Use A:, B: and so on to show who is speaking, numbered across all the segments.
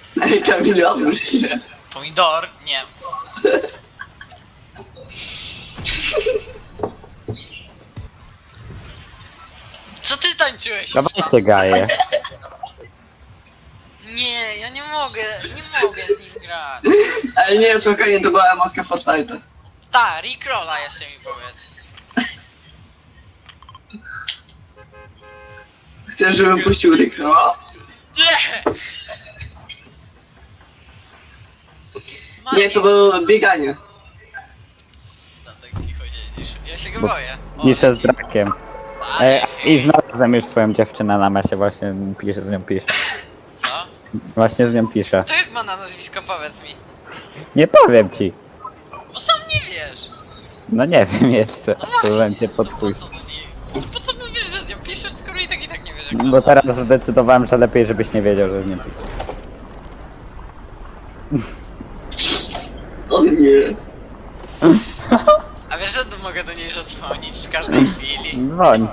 A: Ej, Kamil, obróć się.
B: Pomidor? Nie. Co ty tańczyłeś?
C: Dawajcie gaje.
B: Nie, ja nie mogę z nim grać.
A: Ej, nie, spokojnie, to była emotka Fortnite'a.
B: Ta, Rickrolla jeszcze mi powiedz.
A: Chcesz, żebym puścił Rickrolla?
B: Nie!
A: Nie, to było bieganie.
B: No, tak cicho siedzisz. Ja się go boję. O,
C: Piszę z
B: leci.
C: brakiem.
B: Ale-
C: I znalazłem już twoją dziewczynę na mesie, właśnie piszę, z nią piszę.
B: Co?
C: Właśnie z nią piszę.
B: To jak ma na nazwisko, powiedz mi.
C: Nie powiem ci.
B: Bo sam nie wiesz.
C: No nie wiem jeszcze.
B: No
C: Próbowałem
B: właśnie,
C: cię
B: to po
C: podpuścić.
B: co ty nie... To po co mówisz, że z nią piszesz, skoro i tak nie wiesz jak
C: Bo teraz zdecydowałem, że lepiej, żebyś nie wiedział, że z nią piszę.
A: O nie.
B: A wiesz, że mogę do niej zadzwonić w każdej chwili
C: Dzwoń.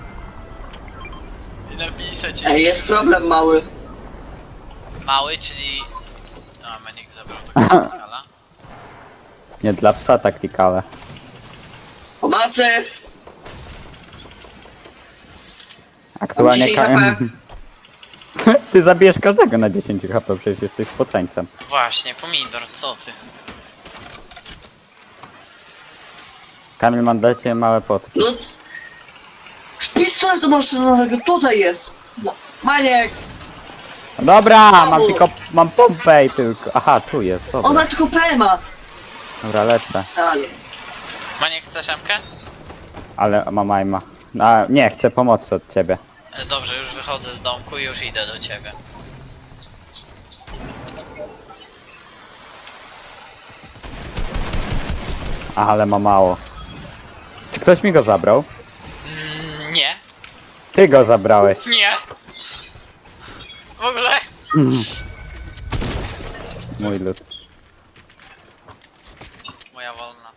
B: i napisać jej.
A: Ej, jest problem mały.
B: Mały, czyli... A, Maniek zabrał do kala.
C: Nie dla psa taktykale.
A: Pomocy!
C: Aktualnie
A: Mam 10 HP.
C: Ty zabijesz każdego na 10 HP, przecież jesteś spoceńcem.
B: Właśnie, pomidor, co ty?
C: Kamil, mam dla ciebie małe potki.
A: No... Pistolet maszynowego tutaj jest! No, Maniek!
C: Dobra, mam pompę i tylko. Aha, tu jest,
A: On
C: dobra.
A: ma tylko PMA!
C: Dobra, lecę.
A: Ale...
B: Maniek, chcesz Emkę?
C: Ale mam aima. A, nie, chcę pomocy od ciebie.
B: Dobrze, już wychodzę z domku i już idę do ciebie.
C: Aha, ale ma mało. Czy ktoś mi go zabrał?
B: Nie.
C: Ty go zabrałeś.
B: Nie. W ogóle?
C: Mój lud.
B: Moja wolna.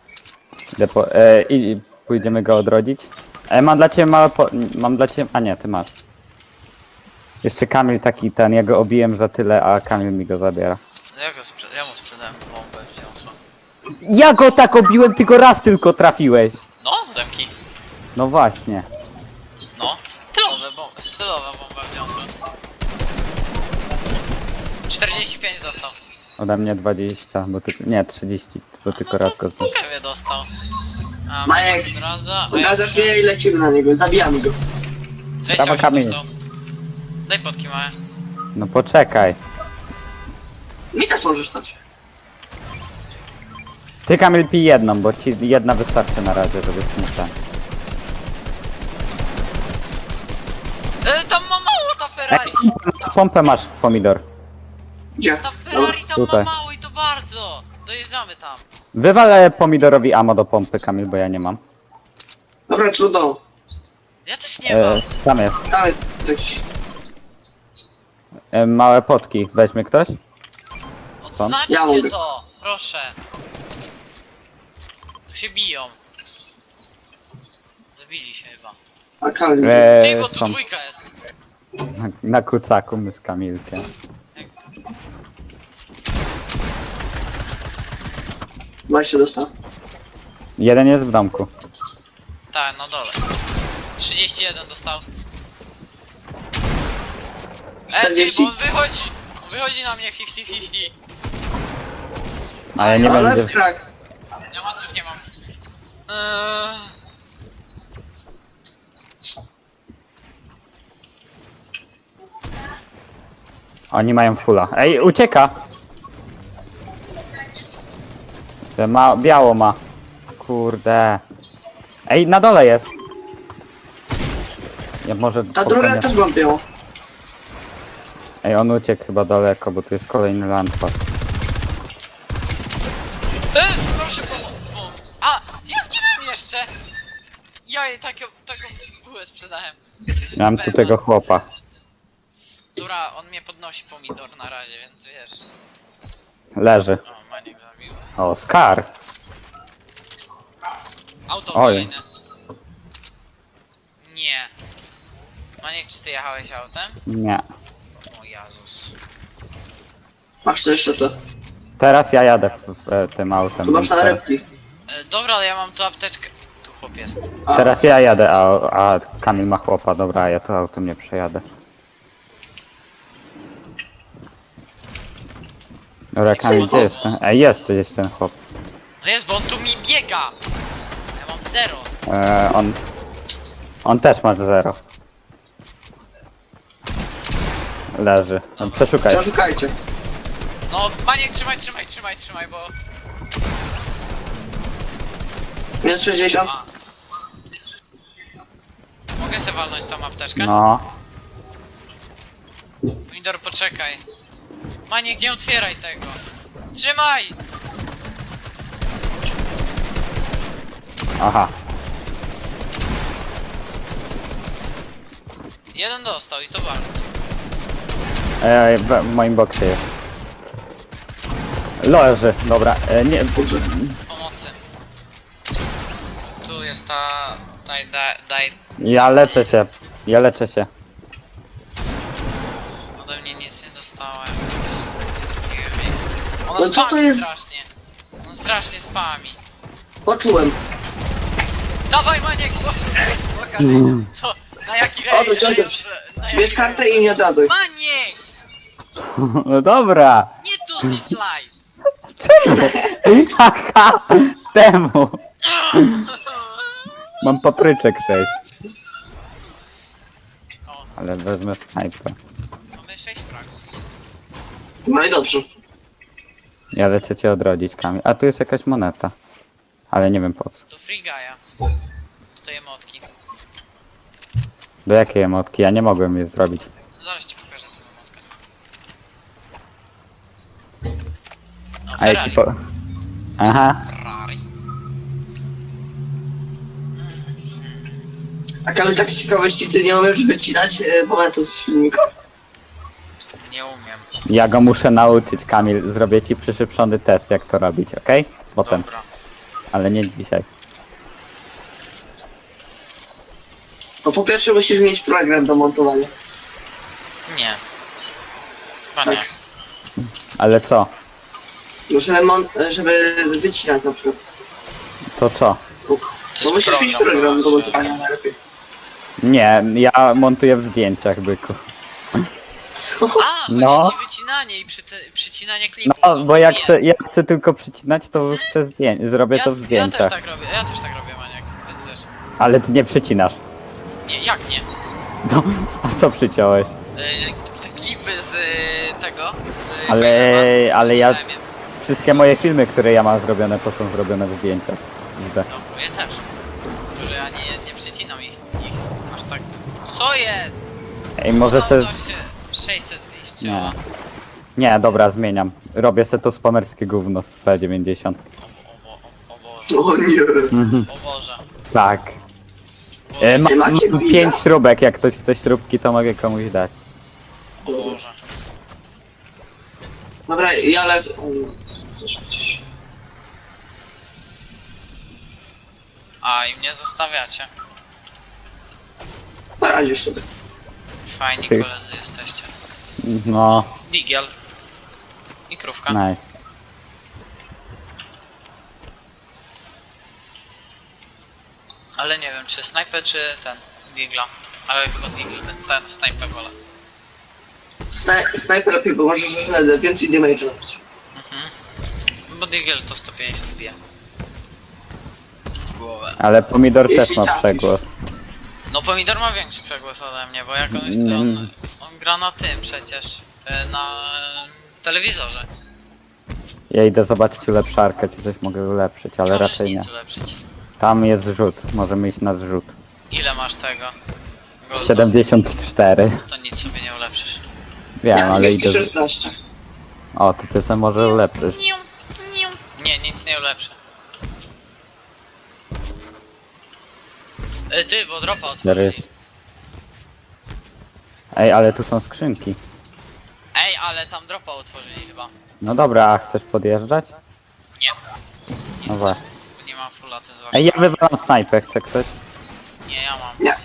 C: I pójdziemy go odrodzić. Mam dla ciebie małe mam dla ciebie... A nie, ty masz. Jeszcze Kamil taki ten, ja go obiłem za tyle, a Kamil mi go zabiera.
B: No ja mu sprzedałem bombę wziął.
C: Ja go tak obiłem, ty go raz tylko trafiłeś.
B: No, zemki.
C: No właśnie.
B: No, stylowa bomba wziąłem. 45 dostał.
C: Ode mnie 20, bo ty... Nie, 30, bo tylko raz go zbiłem.
B: Prawie dostał. A
A: Majek,
B: Maniek odradza.
A: Odradzasz mnie i lecimy na niego, zabijamy go.
B: 28
C: kamień.
B: dostał. Daj potki małe.
C: No poczekaj.
A: Mi też możesz stać.
C: Ty Kamil pij jedną, bo ci jedna wystarczy na razie, żeby ci nie ten.
B: Tam ma mało ta Ferrari!
C: Pompę masz, pomidor.
A: Gdzie?
B: Ta Ferrari tam
C: Tutaj.
B: ma mało i to bardzo! Dojeżdżamy tam.
C: Wywalę pomidorowi ammo do pompy, Kamil, bo ja nie mam.
A: Dobra, trudno.
B: Ja też nie mam.
C: Tam jest.
A: Tam jest jakiś...
C: Małe potki. Weźmie ktoś?
B: Odznaczcie
A: Ja mogę.
B: to! Proszę. Tu się biją. Zabili się chyba.
A: A Kamil...
B: Ty, bo tu
C: są
B: dwójka jest.
C: na kucaku my z Kamilkiem.
A: Właśnie dostał.
C: Jeden jest w domku.
B: Tak, na dole. 31 dostał.
A: 40.
B: Bo on wychodzi! On wychodzi na mnie 50-50.
C: A ja nie
A: Ale
C: wiem,
A: jest
C: gdzie...
A: krak.
B: Ja maców nie mam.
C: Oni mają fulla. Ej, ucieka! Biało ma. Kurde. Ej, na dole jest. Ja może...
A: Ta druga też mam białą.
C: Ej, on uciekł chyba daleko, bo tu jest kolejny landpad.
B: Proszę pomóc. A! Ja zginąłem jeszcze! Ja jej taką bułę sprzedałem.
C: Mam tu tego chłopa.
B: Dobra, on mnie podnosi pomidor na razie, więc wiesz.
C: Leży.
B: O, Maniek zabił.
C: O, Scar.
B: Auto
C: Oj.
B: kolejne. Nie. Maniek, czy ty jechałeś autem?
C: Nie.
B: O Jezus.
A: Masz to jeszcze to.
C: Teraz ja jadę tym autem.
A: Tu masz
C: więc teraz-
A: nalepki.
B: Dobra, ale ja mam tu apteczkę. Tu chłop jest.
A: A,
C: Teraz ja jadę, a Kamil ma chłopa. Dobra, ja to autem nie przejadę. Dobra, Kamil, gdzie jest ten? Ej, jest gdzieś ten chłop.
B: No jest, bo on tu mi biega! Ja mam 0.
C: On też ma 0. Leży. No, przeszukaj.
A: Przeszukajcie.
B: No, Maniek, trzymaj, bo...
A: Minus 60.
B: A. Mogę sobie walnąć tą apteczkę?
C: No.
B: Pomidor, poczekaj. Maniek, nie otwieraj tego. Trzymaj!
C: Aha.
B: Jeden dostał i to bardzo.
C: Ej, w moim boksie jest. Leży, dobra. Nie,
A: Dobrze.
B: Pomocy. Tu jest ta... Daj...
C: ja leczę się. Ja leczę się.
B: Ode mnie nic nie dostałem. Ona
A: No co to
B: spami
A: jest?
B: strasznie. On strasznie spami.
A: Poczułem.
B: Dawaj, Maniek, pokaż co, na jaki
A: Odwróć, odwróć.
B: na jaki
A: Bierz kartę i mnie oddadzaj.
B: Maniek!
C: No dobra.
B: Nie tu si slide!
C: Haha, temu. Mam papryczek 6.
B: O,
C: Ale wezmę snajper.
B: mamy 6 fragów.
A: No i dobrze.
C: Ja lecę cię odrodzić, Kamil. A tu jest jakaś moneta. Ale nie wiem po co.
B: Do free guy'a. Do tej emotki.
C: Do jakiej emotki? Ja nie mogłem jej zrobić.
B: Zaraz ci pokażę tę emotkę. O,
C: A ja ci
B: Ferrari.
C: po... Aha.
B: Ferrari.
A: A Kamil, tak z ciekawości, ty nie umiesz wycinać momentów z filmików?
B: Nie umiem.
C: Ja go muszę nauczyć, Kamil. Zrobię ci przyszybszony test, jak to robić, okej? Potem.
B: Dobra.
C: Ale nie dzisiaj.
A: To po pierwsze musisz mieć program do montowania.
B: Nie. Chyba nie.
A: Tak.
C: Ale co?
A: No, żeby wycinać na przykład.
C: To co?
B: To
A: No
B: jest
A: musisz mieć program do montowania najlepiej.
C: Nie, ja montuję w zdjęciach, byku.
A: Co?
B: A, chodzi
C: No.
B: ci wycinanie i przycinanie klipu.
C: No,
B: to
C: bo ja
B: nie.
C: chcę tylko przycinać, to chcę zrobię to w
B: Ja
C: zdjęciach.
B: też tak robię, Maniek, więc wiesz.
C: Ale ty nie przycinasz.
B: Nie, jak nie?
C: To, a co przyciąłeś?
B: Te klipy z tego, z
C: Ale-
B: Fireman,
C: ale ja-
B: przycinałem je.
C: Wszystkie moje filmy, które ja mam zrobione, to są zrobione w zdjęciach. Widzę.
B: No, moje też. Że ja nie przycinam ich aż tak. Co jest?
C: Ej, może se...
B: Udało się 600 ziściła.
C: Nie, dobra, zmieniam. Robię se to spamerskie gówno z P90.
B: O Boże,
A: O nie.
B: o Boże.
C: Tak.
B: Boże,
C: Mam
A: Nie macie gwida?
C: 5 śrubek, jak ktoś chce śrubki, to mogę komuś dać.
B: o Boże.
A: Dobra, ja lecę. O nie, coś gdzieś.
B: A, i mnie zostawiacie.
A: Poradzisz sobie.
B: Fajni
C: Ty.
B: koledzy jesteście.
C: No,
B: Digiel. I krówka.
C: nice.
B: Ale nie wiem, czy snajper, czy ten Digla. Ale chyba Digl, ten snajper wolę.
A: Snajper lepiej, bo możesz więcej damage robić.
B: Bo Digel to 150 bije. W głowę.
C: Ale pomidor
A: Jeśli
C: też ma
A: trafisz.
C: przegłos.
B: No Pomidor ma większy przegłos ode mnie, bo jak on gra na tym przecież. Na telewizorze.
C: Ja idę zobaczyć ulepszarkę, czy coś mogę ulepszyć, ale
B: nie możesz
C: raczej nie.
B: nic ulepszyć.
C: Tam jest zrzut, możemy iść na zrzut.
B: Ile masz tego? Golda?
C: 74.
B: To nic sobie nie ulepszysz.
C: Wiem,
A: Ja
C: ale idę...
A: 216.
C: O, to ty sobie może ulepszysz.
B: Nie, nic nie ulepszę. Ty, bo dropa otworzyli.
C: Ej, ale tu są skrzynki.
B: Ej, ale tam dropa otworzyli chyba.
C: No dobra, a chcesz podjeżdżać?
B: Nie.
C: No właśnie.
B: Nie mam fulla tym zwłaszcza.
C: Ej, ja wywalam snajpę, chce ktoś?
B: Nie, ja mam.
A: Nie.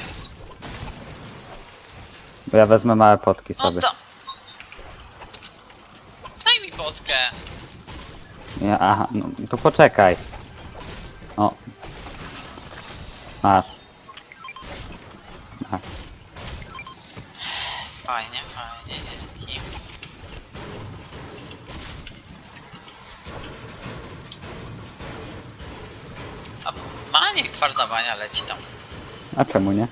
C: Bo ja wezmę małe potki
B: No
C: sobie.
B: da. Daj mi potkę.
C: Ja, aha, no to poczekaj. O. Masz. Masz.
B: Fajnie, dzięki. A niech twarda bania leci tam.
C: A czemu nie?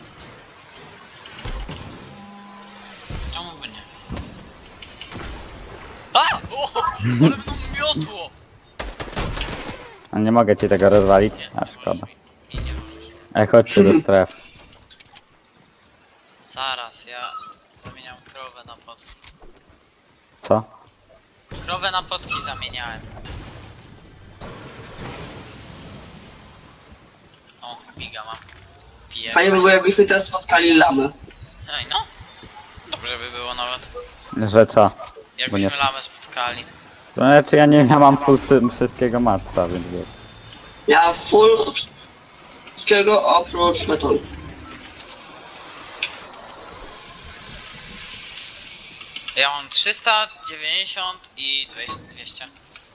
B: Czemu by nie? A! O! Ale mną miotło!
C: A nie mogę ci tego rozwalić?
B: Nie,
C: A szkoda.
B: nie możesz.
C: Ej, chodźcie do strefy.
B: Zaraz, ja zamieniam krowę na potki.
C: Co?
B: Krowę na potki zamieniałem. O, biga mam. Piję.
A: Fajnie by było, jakbyśmy teraz spotkali lamę.
B: Ej, no. Dobrze by było nawet.
C: Że co?
B: Jakbyśmy
C: nie-
B: lamę spotkali.
C: To znaczy ja mam full wszystkiego matca, więc wiesz.
A: Ja full wszystkiego oprócz metonu.
B: Ja mam 390 i 200.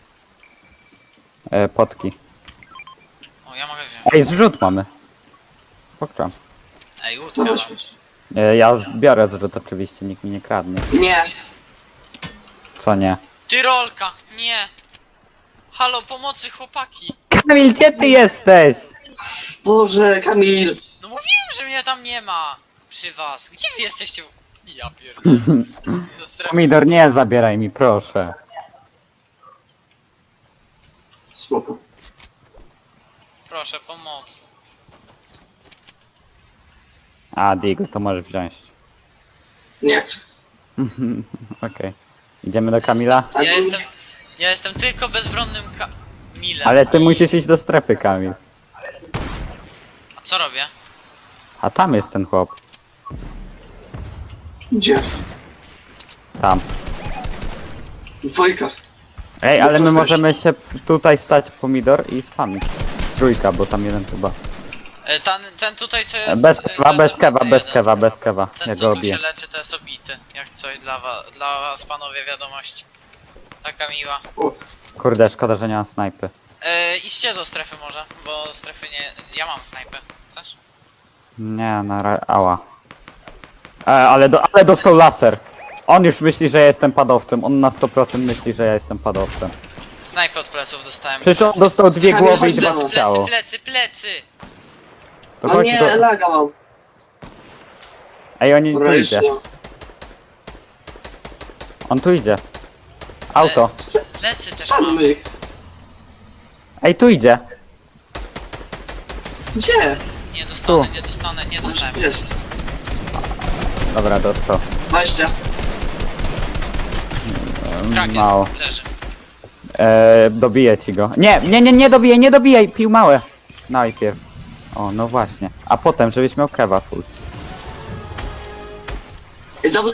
C: Potki.
B: O, ja mogę wziąć.
C: Ej, zrzut mamy. Pokczam.
B: Ej, łódkę mam.
C: Ja biorę zrzut oczywiście, nikt mi nie kradnie.
A: Nie.
C: Co nie?
B: Tyrolka! Nie! Halo, pomocy chłopaki!
C: Kamil, gdzie ty jesteś?
A: Boże, Kamil.
B: No mówiłem, że mnie tam nie ma! Przy was. Gdzie wy jesteście? Ja pierdolę. Do strefy.
C: Pomidor, nie zabieraj mi, proszę.
A: Spoko.
B: Proszę, pomocy.
C: A, Digl, to możesz wziąć.
A: Nie chcę.
C: Okej. Idziemy do Kamila?
B: Ja jestem tylko bezbronnym Kamilem.
C: Ale ty musisz iść do strefy, Kamil.
B: A co robię?
C: A tam jest ten chłop.
A: Gdzie?
C: Tam.
A: Dwójka.
C: Ej, ale my
A: No to
C: możemy się tutaj stać, Pomidor, i spamić. Trójka, bo tam jeden chyba.
B: Ten tutaj co jest...
C: Bez
B: to
C: kewa,
B: jest
C: bez kewa,
B: obity
C: bez
B: jeden.
C: kewa, bez kewa.
B: Ten
C: Ja
B: co
C: go
B: tu
C: obiję.
B: się leczy to jest obity. Jak coś dla was panowie wiadomość. Taka miła.
A: O,
C: Kurde, szkoda, że nie mam snajpy.
B: Idźcie do strefy może, bo strefy nie... Ja mam snajpę. Chcesz?
C: Nie, ała. Ale dostał laser. On już myśli, że ja jestem padowcem. On na 100% myśli, że ja jestem padowcem.
B: Snajpę od pleców dostałem.
C: Przecież on dostał dwie
A: Kamil,
C: głowy i
A: chodź do
C: dwa
A: nas.
C: ciało.
B: Plecy!
C: To
A: o
C: chodź
A: nie,
C: do...
A: laga mam.
C: Ej, oni tu
A: Dobra, już
C: idzie.
A: nie.
C: On tu idzie. Auto.
B: Plecy też mam.
A: Spadmy ich.
C: Ej, tu idzie.
A: Gdzie?
B: Nie
C: Tu.
B: dostałem.
A: Jest.
C: Dobra, dostał.
A: 20.
B: Krak
C: Mało.
B: jest, leży.
C: Dobiję ci go. Nie dobijaj, nie dobijaj. Pił małe. Najpierw. O, no właśnie. A potem, żebyś miał kewa full.
A: I znowu...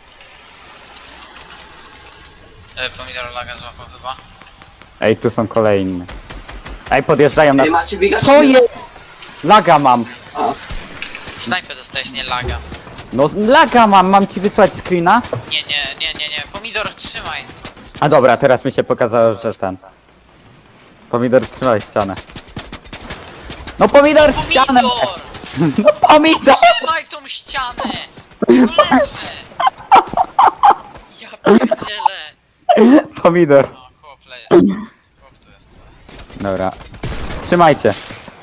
B: Pomidor laga złapał chyba.
C: Ej, tu są kolejne. Ej, podjeżdżają nas.
A: Ej, macie biegać?
C: Co jest? Laga mam.
A: A,
B: Snajpę dostałeś, nie laga.
C: No laga mam ci wysłać screena?
B: Nie. Pomidor, trzymaj.
C: A dobra, teraz mi się pokazało, że ten. Pomidor, trzymaj ścianę. No pomidor, ścianę!
B: Pomidor!
C: No pomidor!
B: Trzymaj tą ścianę! No lecę! Ja pierdzielę.
C: Pomidor.
B: O, chłop leje. Chłop tu jest.
C: Dobra. Trzymajcie.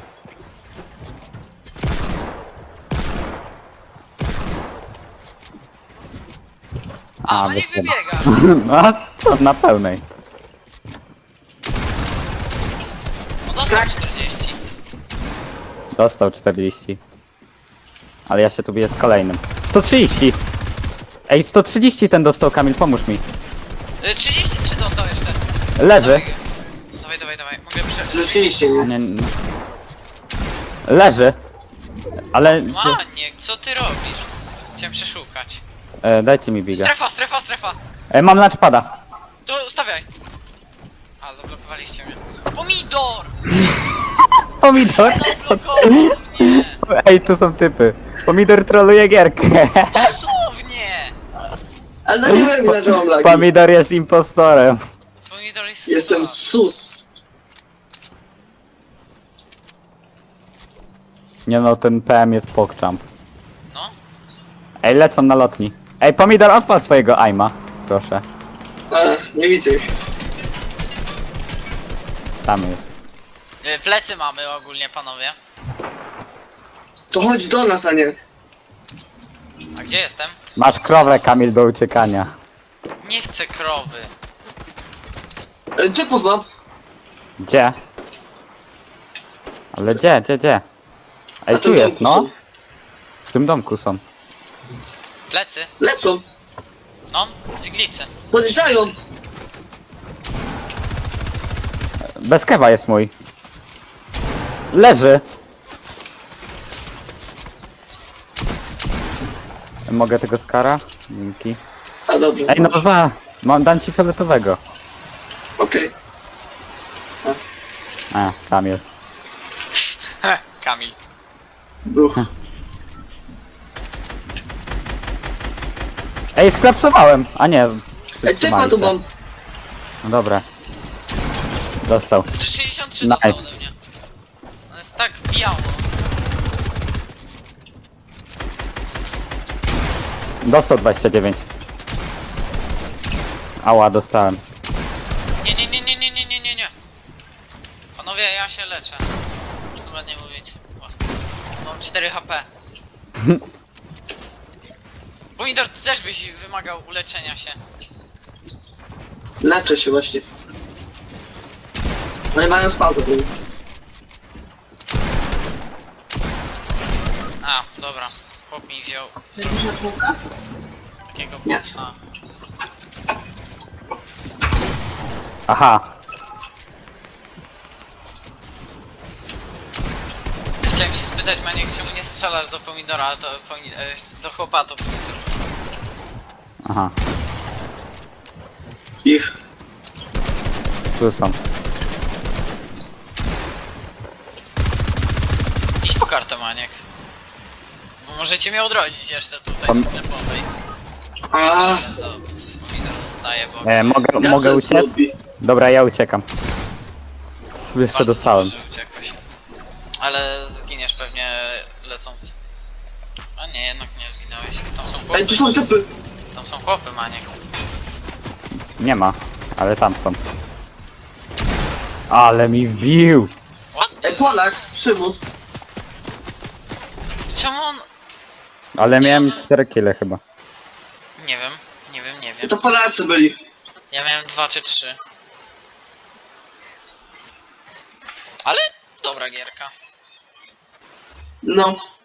B: A, no nie
C: wyszedł.
B: wybiega.
C: No, a co, na pełnej.
B: No dostał 40.
C: Dostał 40. Ale ja się tu biję z kolejnym. 130! Ej, 130 ten dostał, Kamil, pomóż mi.
B: 33 dostał jeszcze.
C: Leży.
B: Dawaj. Mogę przejść.
A: zrzuciliście mnie.
C: Nie. Leży. Ale...
B: Maniek, co ty robisz? Chciałem przeszukać.
C: dajcie mi biga.
B: Strefa!
C: Mam lunchpada.
B: To stawiaj. A, zablokowaliście mnie. Pomidor!
C: Pomidor?
B: Zablokował mnie!
C: Ej, tu są typy. Pomidor troluje gierkę.
B: Dosłownie!
A: Ale no nie wiem, ile że mam lagi.
C: Pomidor jest impostorem.
B: Pomidor jest
A: Jestem
B: słab.
A: sus.
C: Nie no, ten PM jest pokczamp.
B: No.
C: Ej, lecą na lotni. Ej, Pomidor, odpal swojego aima. Proszę.
A: Nie widzę ich.
C: Tam jest.
B: Plecy mamy ogólnie, panowie.
A: To chodź do nas, a nie.
B: A gdzie jestem?
C: Masz krowę, Kamil, do uciekania.
B: Nie chcę krowy.
A: Typów mam.
C: Gdzie? Ale gdzie?
A: Na
C: Ej, tu
A: tym
C: jest,
A: domku
C: no.
A: są.
C: W tym domku są.
B: Plecy?
A: Lecą.
B: No, dźglicy.
A: Podjeżdżają.
C: Bez kewa jest mój. Leży. Mogę tego skara? Dzięki.
A: A dobrze.
C: Ej, no dam ci fioletowego.
A: Okej.
C: A, Kamil.
B: Kamil.
A: Bruch.
C: Ej, sklapsowałem! A nie,
A: Typa
C: przytrzymali
A: tu
C: się.
A: mam.
C: No dobra. Dostał.
B: 63
C: Nice.
B: dostał ode mnie. On jest tak biało.
C: Dostał 29. Ała, dostałem.
B: Nie. Panowie, ja się leczę. Ładnie mówić. O, mam 4 HP. Pomidor, ty też byś wymagał uleczenia się.
A: Leczę się właśnie. No i mają spazę, więc...
B: A, dobra. Chłop mi wziął takiego
A: Nie.
B: boksa.
C: Aha.
B: Chciałem się spytać, Maniek, czemu nie strzelasz do pomidora, a to do chłopa to pomidor.
C: Aha.
A: Ich.
C: Tu są.
B: Idź po kartę, Maniek. Bo możecie mnie odrodzić jeszcze tutaj
C: Pom-
B: w sklepowej.
A: A,
B: Ale to pomidor zostaje, bo...
C: Mogę uciec? Dobra, ja uciekam. Jeszcze dostałem.
B: Że uciekłeś. Ale zginiesz pewnie lecąc. A nie, jednak nie zginąłeś. Tam są chłopy.
A: Ej, tu są typy.
B: Tam są chłopy, Maniek.
C: Nie ma, ale tam są. Ale mi wbił!
B: What?
A: Ej, Polak, przymus.
B: Czemu on...
C: Ale miałem 4 kile chyba.
B: Nie wiem.
A: To Polacy byli.
B: Ja miałem 2 czy 3. Ale dobra gierka.
A: No.